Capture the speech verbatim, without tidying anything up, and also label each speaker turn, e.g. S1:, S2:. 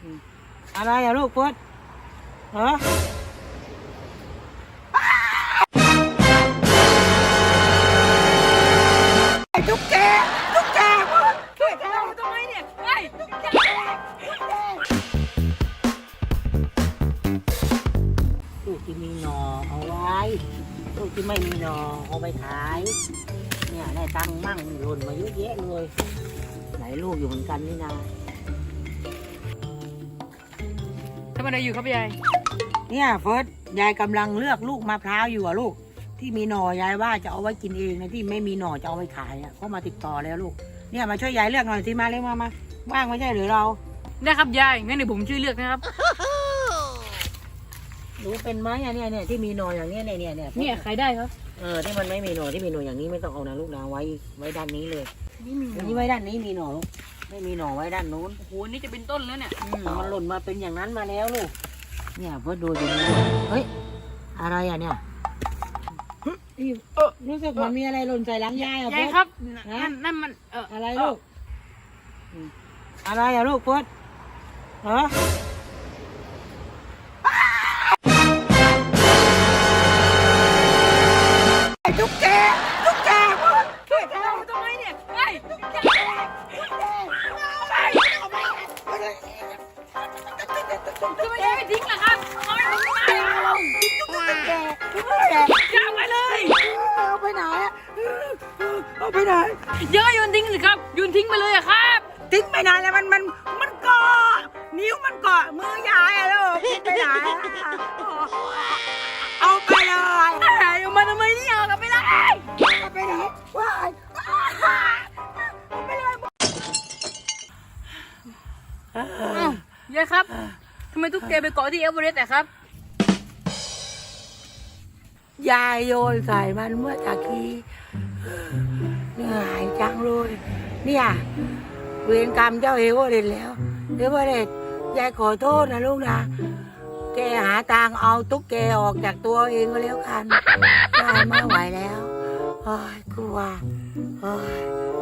S1: อะไรอะลูกพุทธเหรอไอ้ตุ๊กแกตุ๊กแกพุทธช่วยเราทำไมเนี่ยไอ้ตุ๊กแกลูกที่มีหน่อเอาไว้ลูกที่ไม่มีหน่อเอาไปขายเนี่ยได้ตังค์มั่งหล่นมาเยอะแยะเลยหลายลูกอยู่เหมือนกันนี่นา
S2: ทำอะไรอยู่ครับยาย
S1: เนี่ยเฟิร์สยายกำลังเลือกลูกมะพร้าวอยู่อะลูกที่มีหน่อยายว่าจะเอาไว้กินเองนะที่ไม่มีหน่อจะเอาไปขายอะเขามาติดต่อแล้วลูกเนี่ยมาช่วยยายเลือกหน่อยสิมาเร็วมามาว่างไม่ใช่หรือเรา
S2: ได้ครับยายงั้นเดี๋ยวผมช่วยเลือกนะครับ
S1: รู้เป็นไหมอะเนี่ยเนี่ยที่มีหน่ออย่างเนี้ยเนี่ยเนี่ยเนี่ย
S2: เนี่ยขายได้ครับ
S1: เออที่มันไม่มีหน่อที่มีหน่ออย่างนี้ไม่ต้องเอานะลูกนะไว้ไว้ด้านนี้เลย
S2: นี่มี
S1: อันนี้ไว้ด้านนี้มีหน่อลูกไม่มีหน่อไว้ด้านนู้น
S2: โอ้โหนี่จะเป็นต้นแล้วเนี่ย
S1: มันหล่นมาเป็นอย่างนั้นมาแล้วลูกเนี่ยเพื่อดูอย่างนี้เฮ้ยอะไรอ่ะเนี่ยเออรู้สึกมันมีอะไรหล่นใส่หลังยายอ่ะ
S2: ยายครับนั่นนั่นมันเออ
S1: อะไรลูกอะไรอ่ะลูกพุทธเหรอไอ้ตุ๊กแกตุ๊กแกพุทธช่วยเราทำไมเนี่ยไอ้ตุ๊กแก
S2: ทำไมยายไม่ทิ้งล่ะครับเอาไปทิ้งไปยาวไปเลย
S1: เอาไปไหนอะเอาไปไหน
S2: เยอะโยนทิ้งสิครับโยนทิ้งไปเลยอะครับ
S1: ทิ้งไปไหนแล้วมันมันมันเกาะนิ้วมันเกาะมือยายอะลูกทิ้งไปไหนเอาไปเลย
S2: เอามาทำไมเนี่ยเอากลับไปเลย
S1: เอาไปไหนว้ายเอาไปเลย
S2: ยายครับทำไมตุ๊กแกไปเกาะที่เอเวอเรสต์อะครับ
S1: ยายโยนใส่มันเมื่อตะกี้เหนื่อยจังเลยเนี่ยเวรกรรมเจ้าเอเวอเรสต์แล้วเอเวอเรสต์ยายขอโทษนะลูกนะแกหาทางเอาตุ๊กแกออกจากตัวเองก็แล้วกันยายไม่ไหวแล้วโอ้ยกลัวโอ้ย